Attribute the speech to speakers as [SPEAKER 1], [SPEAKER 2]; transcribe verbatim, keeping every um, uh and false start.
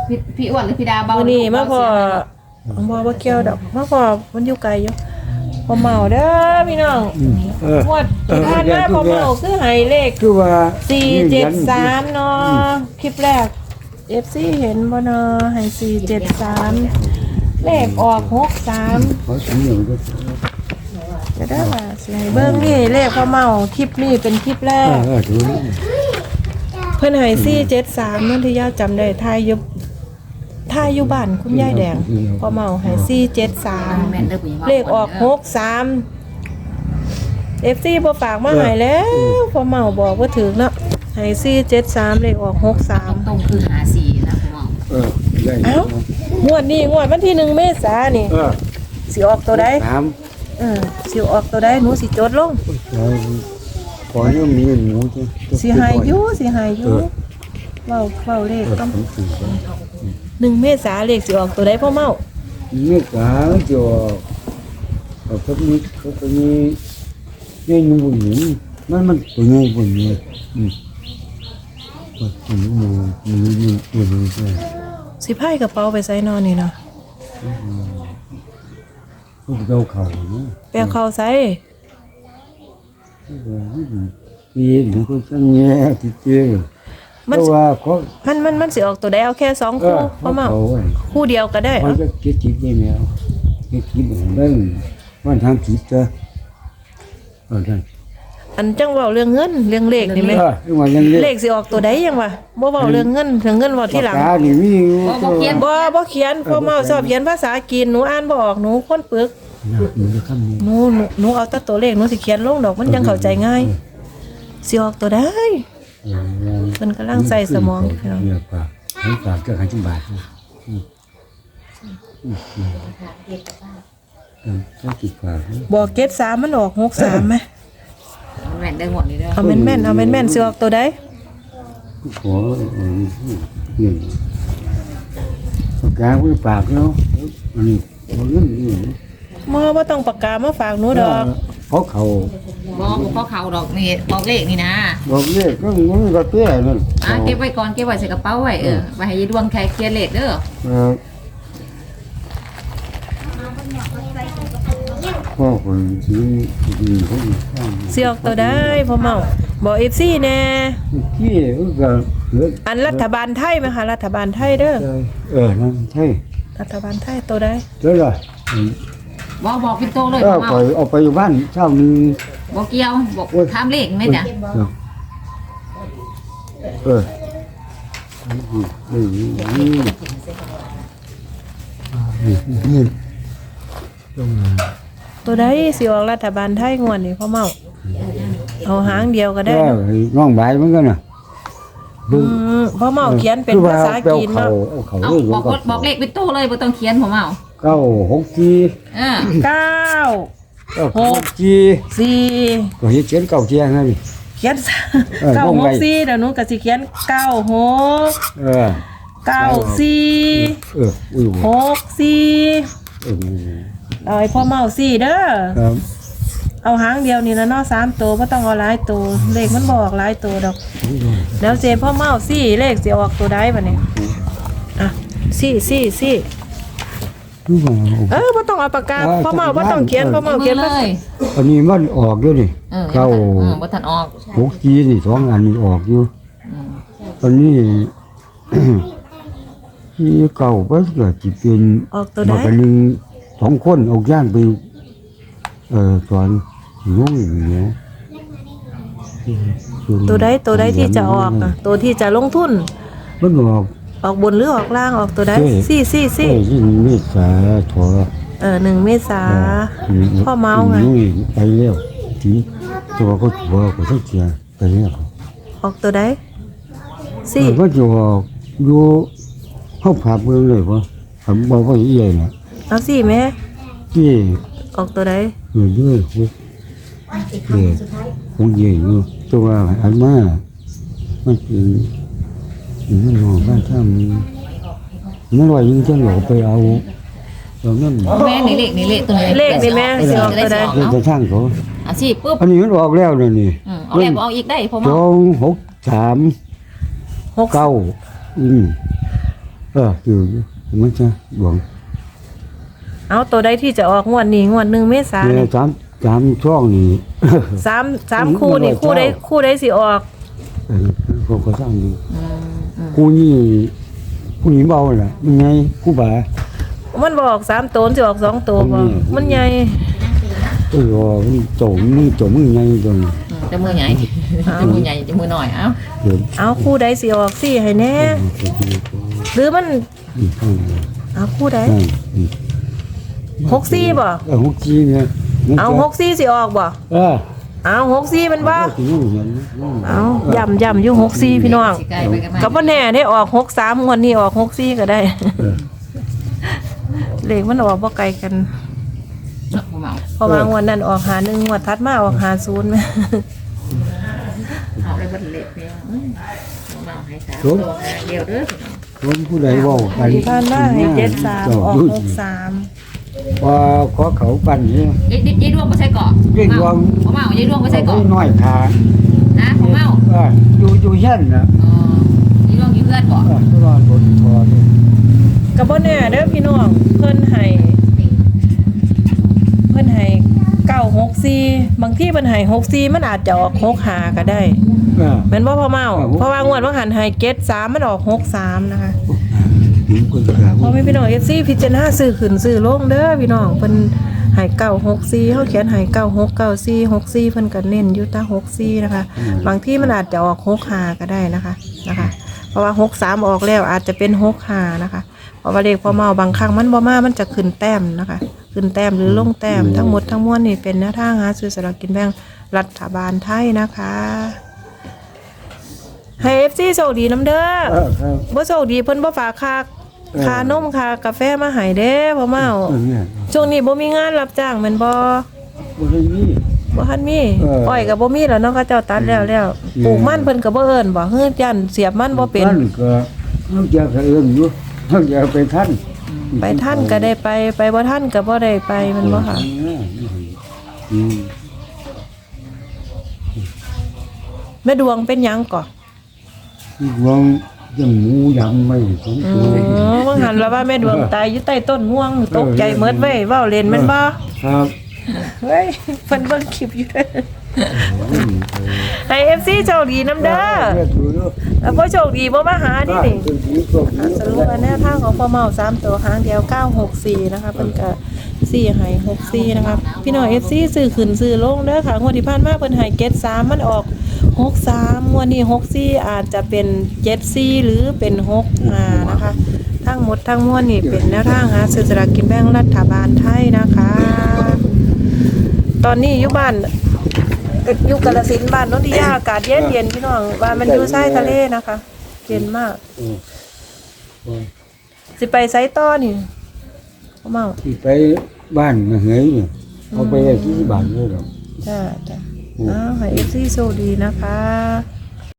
[SPEAKER 1] พี่พี่อ้วนหรือพี่ดาเบา
[SPEAKER 2] มื้อนี้มาพอบ่บ่เกี่ยวดอกมาพอมันอยู่ไกลอยู่พอเมาเด้อพี่น้อง
[SPEAKER 3] เออง
[SPEAKER 2] วดที่ผ่านมาพอเมาคือให้เลข
[SPEAKER 3] คือว่า
[SPEAKER 2] สี่เจ็ดสามเนาะคลิปแรก เอฟ ซี เห็นบ่เนาะให้สี่เจ็ดสามเลขออกหกสาม
[SPEAKER 3] ขอสิเหนียวด้วย
[SPEAKER 2] จะได้ว่าสิให้เบิ่งนี่เลขพอเมาคลิปนี้เป็นคลิปแร
[SPEAKER 3] เอก อเออถูก
[SPEAKER 2] เพิ่นให้สี่เจ็ดสามนั่นที่ย่าจำได้ทายอยู่ทายอยู่บ้านคุณยายแดงพอเมาให้สี่เจ็ดสามเลขออกหกสาม เอฟ ซี บ่ฝากมาให้แล้วพอเมาบอกว่าถึงเนาะให้สี่เจ็ดสามเลขออกหกสาม
[SPEAKER 1] ตรงคือหาสี่นะคุณหมอ
[SPEAKER 3] เออได้
[SPEAKER 2] เอ้างวดนี้งวดวันที่หนึ่งเมษายนนี่
[SPEAKER 3] เออ
[SPEAKER 2] สิออกตัวใด
[SPEAKER 3] ถาม
[SPEAKER 2] เออสิออกตัวใดหนูสิจดลง
[SPEAKER 3] ขอเนี่ยมีหมูจ้ะ
[SPEAKER 2] สิให้อยู่สิให้อยู่เว้าเว้าเลข
[SPEAKER 3] เออ
[SPEAKER 2] ต้อง
[SPEAKER 3] ผมถือว่า
[SPEAKER 2] หนึ่งเมษายนเลขสิออกตัวใดพ่อเมา
[SPEAKER 3] ไม่กล้าจะเอาพวกนี้พวกนี้เนี่ยนุ่มบุญนี่มันมันตัวนี้บุญนี่อืมว่าตัวนี้มันมันมันตัวนี้ใช่
[SPEAKER 2] สิพายกระเป๋าไปใส่นอนนี่เนาะ
[SPEAKER 3] พวกเราเขาเนาะ
[SPEAKER 2] แปลเข้าใส่
[SPEAKER 3] ปีหรือคนช่างแง่ที่เจอเพราะว่าเขา
[SPEAKER 2] มันมันมันสิออกตัวใดเอาแค่สอง
[SPEAKER 3] เอ
[SPEAKER 2] คู่
[SPEAKER 3] อ
[SPEAKER 2] พ่อเมา
[SPEAKER 3] เขา
[SPEAKER 2] คู่เดียวก็ได้
[SPEAKER 3] เขา
[SPEAKER 2] เอ้า
[SPEAKER 3] จะคิดคิดได้แล้วคิดคิดของเรื่องวันทางคิดจะเออท่าน
[SPEAKER 2] อันจังเว้าเรื่องเงินเรื่องเลขนี่ไหม
[SPEAKER 3] เออเรื่องวันยังเล็ก
[SPEAKER 2] เลขสิออกตัวใดยังวะบ่เว้าเรื่องเงินเรื่องเงินเว้าที่หลัง
[SPEAKER 3] ปากกานี่มีอยู่
[SPEAKER 1] บ่เขียน
[SPEAKER 2] บ่บ่เขียนพ่อเมาชอบเขียนภาษาจีนหนูอ่านบ่ออกหนูคนปึก
[SPEAKER 3] นะมันจะคำนี้
[SPEAKER 2] หนูหนูหนูเอาแต่ตัวเลขหนูสิเขียนลงดอกมันจังเข้าใจง่ายสิออกตัวใด
[SPEAKER 3] เออ
[SPEAKER 2] เพิ่นกำลังใส่สมองอยู่พี่น้อง
[SPEAKER 3] เนี่ยปากให้ปากก็หายจังบาทนะอืมอืมอืมใช้ติดปากนะ
[SPEAKER 2] บอกเกตสามมันออกหกสามไหม
[SPEAKER 1] แม่นได้หมดนี่เด้อ
[SPEAKER 2] เอาแม่นๆเอาแม่นๆสิออกตัวใด
[SPEAKER 3] ขอเออเนี่ยปากกาไว้ปากเนาะอันนี้เอาเงินนี่
[SPEAKER 2] บ่บ่ต้องปากกามาฝากหนูดอก
[SPEAKER 3] เพราะเขา
[SPEAKER 1] บ่บ่เขาเขาดอกนี่บอกเลขนี่นะ
[SPEAKER 3] บอกเลขก็มันก็เตี้ยนั่น
[SPEAKER 1] อ่ะเก็บไว้ก่อนเก็บไว้ใส่กระเป๋าไว้เออไว้ให้ยายดวงแค่เขียนเลขเด้อ
[SPEAKER 3] เออพ่อคนที่ดีเขาอีกข้าง
[SPEAKER 2] สิออกตัวใดพ่อเมาบอก เอฟ ซี แน่
[SPEAKER 3] ที่ก็เหลือ
[SPEAKER 2] อันรัฐบาลไทยไหมคะรัฐบาลไทยเด้อ
[SPEAKER 3] เออนั่นใช่
[SPEAKER 2] รัฐบาลไทยตัวใด
[SPEAKER 3] เจ้าล่ะ
[SPEAKER 1] บ่บอกเป็นโตเลย
[SPEAKER 3] ก็
[SPEAKER 1] พ่อ
[SPEAKER 3] ปล่อยออกไปอยู่บ้านเช้านี้
[SPEAKER 1] บ่เกี่ยวบอกถามเลขไหมจ้ะ
[SPEAKER 3] เออเออนี่นี่นี่ต้องมา
[SPEAKER 2] ตัวใดสิออกรัฐบาลไทยงวดนี้พ่อเมาเอาหางเดียวก็ได้
[SPEAKER 3] ก็
[SPEAKER 2] เนาะ
[SPEAKER 3] น้องใบเหมือนกันน่ะ
[SPEAKER 2] อืมพ่อเมาเขียนเป็นภาษาจีน
[SPEAKER 3] เขา
[SPEAKER 2] เนาะ
[SPEAKER 3] เอาเขา
[SPEAKER 1] เอา
[SPEAKER 3] เลย
[SPEAKER 1] บอกว่าบอกเลขเป็นโตเลยบ่ต้องเขียนผมเอา
[SPEAKER 3] เก้าหกจี
[SPEAKER 1] เออ
[SPEAKER 2] เก้า
[SPEAKER 3] เก้าหกจี
[SPEAKER 2] สี่
[SPEAKER 3] ก็เห็นเขียนเก้าเจียงไง
[SPEAKER 2] เขียน
[SPEAKER 3] เออ
[SPEAKER 2] เก้าว
[SPEAKER 3] ง
[SPEAKER 2] ห
[SPEAKER 3] ไว้
[SPEAKER 2] กสี่เดี๋ยวหนูก็สิเขียนเก้าหก
[SPEAKER 3] เออ
[SPEAKER 2] เก้าสี่
[SPEAKER 3] เอออุ้ย
[SPEAKER 2] หกสี่
[SPEAKER 3] เออ
[SPEAKER 2] เอาไอ้พ่อเมาสี่เด้อ
[SPEAKER 3] ครับ
[SPEAKER 2] เอาหางเดียวนี่นะเนาะสามตัวไม่ต้องเอาหลายตัวเลขมันบออกหลายตัวดอกแล้วเจพ่อเมาสี่เลขสิออกตัวใดบัดนี้อ่ะสี่สี่สี่
[SPEAKER 3] ดูว่า
[SPEAKER 2] เออไม่ต้องเอาปากกาพ่อเมาไม่ต้องเขียนพ่อเมาเขียน
[SPEAKER 1] เล
[SPEAKER 2] ภาษาย
[SPEAKER 3] อันนี้มันออกด้วยนี่
[SPEAKER 1] เออ
[SPEAKER 3] เก้า
[SPEAKER 1] เออบ่ทันออก
[SPEAKER 3] หกจีนี่สองอันนี้ออกอยู่
[SPEAKER 1] อืม
[SPEAKER 3] ตอนนี้ ที่เก่าก็เกิดจิเป็น
[SPEAKER 2] ออกตัวใด
[SPEAKER 3] มากันหนึ่งสองคนออกย่างไปเอ่อสอนน้องอย่างเงี้ย
[SPEAKER 2] ตัวใดตัวใดที่จะออกอ่ะตัวที่จะลงทุน
[SPEAKER 3] มันออก
[SPEAKER 2] ออกบนหรือออกล่างออกตัวใด
[SPEAKER 3] เอ้ย
[SPEAKER 2] สี่สี่
[SPEAKER 3] เอ้
[SPEAKER 2] สี่
[SPEAKER 3] ยยิ่งเมษาถอ
[SPEAKER 2] เออหนึ่งเมษาพ่อเมาไง
[SPEAKER 3] น้อยไปแล้วทีตัวก็ตัวก็ต้องเสียไปแล้ว
[SPEAKER 2] ออกตัวใดสี่
[SPEAKER 3] เออมันจะออกอยู่เข้าผับเมืองเลยว่าผมบอกว่าอีใหญ่น่ะ
[SPEAKER 2] เอาสี่ไหม
[SPEAKER 3] ที่
[SPEAKER 2] ออกตัวใด
[SPEAKER 3] อยู่ด้วยพวกเด็กคงใหญ่อยู่ตัวอันมามันเป็นมันหอบ้านถ้ามันมันลอยยิงเจ้าหลอกไปเอาตอนนั้น
[SPEAKER 1] แม่นี่เลขนี่เลขตัวนี้
[SPEAKER 2] เลขนี่แม่สิออกตัวใด
[SPEAKER 3] เดี๋ยวจะช่างเขา
[SPEAKER 1] อ่ะสิปุ๊บ
[SPEAKER 3] อันนี้มันออกแล้วเลยนี่
[SPEAKER 1] อืมเอาเลขบ่เอาอีกได้ผม
[SPEAKER 3] ส
[SPEAKER 1] เอา
[SPEAKER 3] องหกสาม
[SPEAKER 2] หก
[SPEAKER 3] เก้าอืมเอออยู่มันจะหลวง
[SPEAKER 2] เอาตัวใดที่จะออกงวดนี้งวดหนึ่งเมษายน
[SPEAKER 3] เนี่ย
[SPEAKER 2] นี่
[SPEAKER 3] สามสามช่องนี่
[SPEAKER 2] สามสามคู่นี่คู่ใดคู่ใดสิออก
[SPEAKER 3] เออเขาก็สร้างดี
[SPEAKER 1] อืมอืม
[SPEAKER 3] กูนี่ผู้หญิงเบาแหละมันไงกูบ่า
[SPEAKER 2] มันบอกสามตัวสิออกสองตัวบ่
[SPEAKER 3] อืม
[SPEAKER 2] มันใหญ่
[SPEAKER 3] เออมันโจมมือโจมมือไงตรง
[SPEAKER 1] จะมือใหญ่จะมือใหญ่จะมือหน่อยเอ้า
[SPEAKER 3] เดี๋ยว
[SPEAKER 2] เอาคู่ใดสิออกสิให้แน่หรือมันเอาคู่ใดหกสี่บ่
[SPEAKER 3] เออหกสี่เนี่ย
[SPEAKER 2] เอาหกสี่สิออกบ่
[SPEAKER 3] เออ
[SPEAKER 2] เอาหกสี่มันบ่
[SPEAKER 3] ถึงอย่างนั้น
[SPEAKER 2] เอาย่ำย่ำอยู่หกสี่พี่น้อง
[SPEAKER 1] สิไกลไปกันมา
[SPEAKER 2] ก็บ่แน่ได้ออกหกสามงวดนี้ออกหกสี่ก็ได้
[SPEAKER 3] เออ
[SPEAKER 2] เลขมันออกบ่ไกลกัน
[SPEAKER 1] บ่เมา
[SPEAKER 2] เพราะว่างวดนั้นออกหาหนึ่งงวดถัดมาออกหาศูนย์แม่
[SPEAKER 1] เอาเลยบ่เล็ดเนี่ยอืมบ่เมาให้สามตัวเดียวเด้อ
[SPEAKER 3] ผมผู้ใดเว่ากัน
[SPEAKER 2] ที่ผ่านมาให้เจ็ดสามออกหกสาม
[SPEAKER 3] ว่าขอเขาปั่นนี่
[SPEAKER 1] ยายยายดวงบ่ใช่เกาะ
[SPEAKER 3] ยายดวง
[SPEAKER 1] บ่เมายายดวงบ่ใช่เกาะ
[SPEAKER 3] น้อยขา
[SPEAKER 1] นะบ่เมา
[SPEAKER 3] เอออยู่อยู่เช่นนะ
[SPEAKER 1] อ๋อยายดวงอยู่เพื่อนบ่
[SPEAKER 3] เออตลอดบนคอนี่
[SPEAKER 2] ก็บ่แน่เด้อพี่น้องเพิ่นให้เพิ่นให้เก้าหกสี่บางที่เพิ่นให้หกสี่มันอาจจะออกหกห้าก็ได้
[SPEAKER 3] เออ
[SPEAKER 2] แม่นบ่พ่อเมา
[SPEAKER 3] เออ
[SPEAKER 2] เพราะว่างวดว่าหันให้เจ็ดสามมันออกหกสามนะคะ
[SPEAKER 3] ผมก็จะ
[SPEAKER 2] พอแม่พี่น้อง เอฟ ซี พิจารณาซื้อขึ้นซื้อลงเด้อพี่น้องเพิ่นให้เก้าหกสี่เฮาเขียนให้เก้าหก เก้าสี่ หกสี่เพิ่นก็เน้นอยู่แตาหกสี่นะคะ บางที่มันอาจจะออกหกห้าก็ได้นะคะนะคะ เพราะว่าหกสามออกแล้วอาจจะเป็นหกห้านะคะ เพราะว่าเลขพอเมาบางครั้งมันบ่มามันจะขึ้นแต้มนะคะ ขึ้นแต้มหรือลงแต้มทั้งหมดทั้งมวลนี่เป็นแนวทางหาซื้อสลากกินแบ่งรัฐบาลไทยนะคะ ให้ เอฟ ซี โชคดีน้ำเด้อ
[SPEAKER 3] เออครับ
[SPEAKER 2] บ่โชคดีเพิ่นบ่ฝากค่า
[SPEAKER 3] เออ
[SPEAKER 2] ค่านมค่ากาแฟมาให้เด้พ่อเมา
[SPEAKER 3] เออเนี่ย
[SPEAKER 2] ช่วงนี้บ่มีงานรับจ้างแม่นบ่
[SPEAKER 3] บ่ได้มี
[SPEAKER 2] บ่ทันมี
[SPEAKER 3] เออ
[SPEAKER 2] อ้อยก็บ่มีแล้วเนาะเขาเจ้าตัดแล้วแล้ว
[SPEAKER 3] อืม
[SPEAKER 2] ปลูกมันเพิ่นก็บ่เอิ้นบ่เฮือยันเสียบมันบ่เป็น
[SPEAKER 3] ท่านก็มันจะเอื้อมอยู่มันจะไปท่าน
[SPEAKER 2] ไปท่านก็ได้ไปไปบ่ท่านก็บ่ได้ไปแมันบ่ค่ะ
[SPEAKER 3] อืม
[SPEAKER 2] แม่ดวงเป็นหยังก่อ
[SPEAKER 3] วงยังหมูยำไม่สม
[SPEAKER 2] อื
[SPEAKER 3] ตัว
[SPEAKER 2] อว่าหันแล้วว่าแม่ดวงตายอยู่ใต้ต้นม่วงตกใจเมิดเว้ยเว้าเล่นแม่นบ่
[SPEAKER 3] ครับ
[SPEAKER 2] เฮ้ยเพิ่นเบิ่งคลิปอยู่เด้อให้ เอฟ ซี โชคดีน้ำเด้อ
[SPEAKER 3] เรียกดูดู
[SPEAKER 2] แล้วบ่โชคดีบ่มาหาดินี่
[SPEAKER 3] คือดีกว่าดี
[SPEAKER 2] สรุปว่าแนวทางของพ่อเมาสามตัวหางเดียวเก้าหกสี่นะคะเพิ่นก็สี่ให้หกสี่นะคะพี่น้อง เอฟ ซี ซื้อขึ้นซื้อลงเด้อค่ะงวดที่ผ่านมาเพิ่นให้เจ็ดสามมันออกหกสามงวดนี้หกสี่อาจจะเป็นเจ็ดสี่หรือเป็นหกห้านะคะ ทั้งหมดทั้งมวลนี่เป็นแนวทางหาซื้อสลากกินแบ่งรัฐบาลไทยนะคะ ตอนนี้อยู่บ้านอยู่กาฬสินธุ์บ้านโนนทิยาอากาศเย็นเย็นๆพี่น้องว่ามันอยู่ชายทะเลนะคะเย็นมาก สิไปไซต์ต่อนี่พ่อเมา
[SPEAKER 3] ที่ไปบ้านมาเหยเนี่ยเอาไปไว้ที่บ้านเลยหรอก
[SPEAKER 2] จ้าจ้าอ้าวให้เอฟซีโชคดีนะคะ